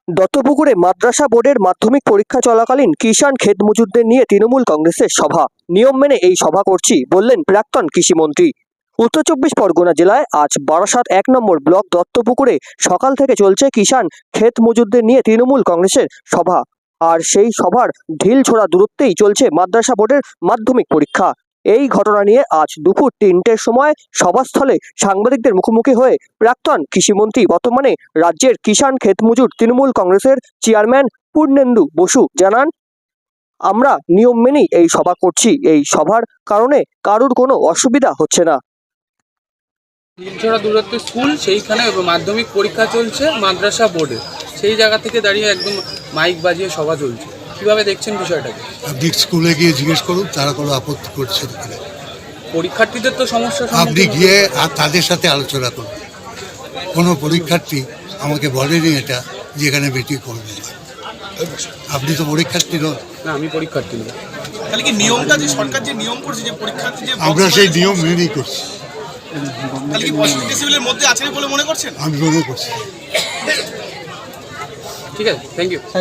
দত্তপুকুরে মাদ্রাসা বোর্ডের মাধ্যমিক পরীক্ষা চলাকালীন কিষাণ ক্ষেত মজুরদের নিয়ে তৃণমূল কংগ্রেসের সভা। নিয়ম মেনে এই সভা করছি বললেন প্রাক্তন কৃষিমন্ত্রী। উত্তর চব্বিশ পরগনা জেলায় আজ বারাসাত 1 নম্বর ব্লক দত্তপুকুরে সকাল থেকে চলছে কিষাণ ক্ষেত মজুরদের নিয়ে তৃণমূল কংগ্রেসের সভা। আর সেই সভার ঢিল ছোড়া দূরত্বেই চলছে মাদ্রাসা বোর্ডের মাধ্যমিক পরীক্ষা। এই ঘটনা নিয়ে আজ দুপুর 3টের সময় সভাস্থলে সাংবাদিকদের মুখোমুখি হয়ে প্রাক্তন কৃষিমন্ত্রী বর্তমানে রাজ্যের কিষাণ ক্ষেত মজুর তৃণমূল কংগ্রেসের চেয়ারম্যান পূর্ণেন্দু বসু জানান, আমরা নিয়ম মেনেই এই সভা করছি। এই সভার কারণে কারুর কোনো অসুবিধা হচ্ছে না। ঢিলছড়া দূরত্ব স্কুল, সেইখানে মাধ্যমিক পরীক্ষা চলছে মাদ্রাসা বোর্ডে, সেই জায়গা থেকে দাঁড়িয়ে একদম মাইক বাজিয়ে সভা চলছে। কিভাবে দেখছেন বিষয়টাকে? আপনি স্কুলে গিয়ে জিজ্ঞেস করুন, তারা কোনো আপত্তি করছে কিনা। পরীক্ষার্থীদের তো সমস্যা, আপনি গিয়ে আর তাদের সাথে আলোচনা করুন। কোনো পরীক্ষার্থী আমাকে বলেনি এটা যে এখানে বেটি করবে। আপনি তো পরীক্ষার্থী নন। না, আমি পরীক্ষার্থী নই। তাহলে কি নিয়মটা যে সরকার যে নিয়ম করছে যে পরীক্ষার্থী যে আমরা সেই নিয়ম মেনেই করছি। তাহলে কি 65 ডেসিবেলের মধ্যে আছে বলে মনে করছেন? আমি মনে করছি। ঠিক আছে, থ্যাংক ইউ।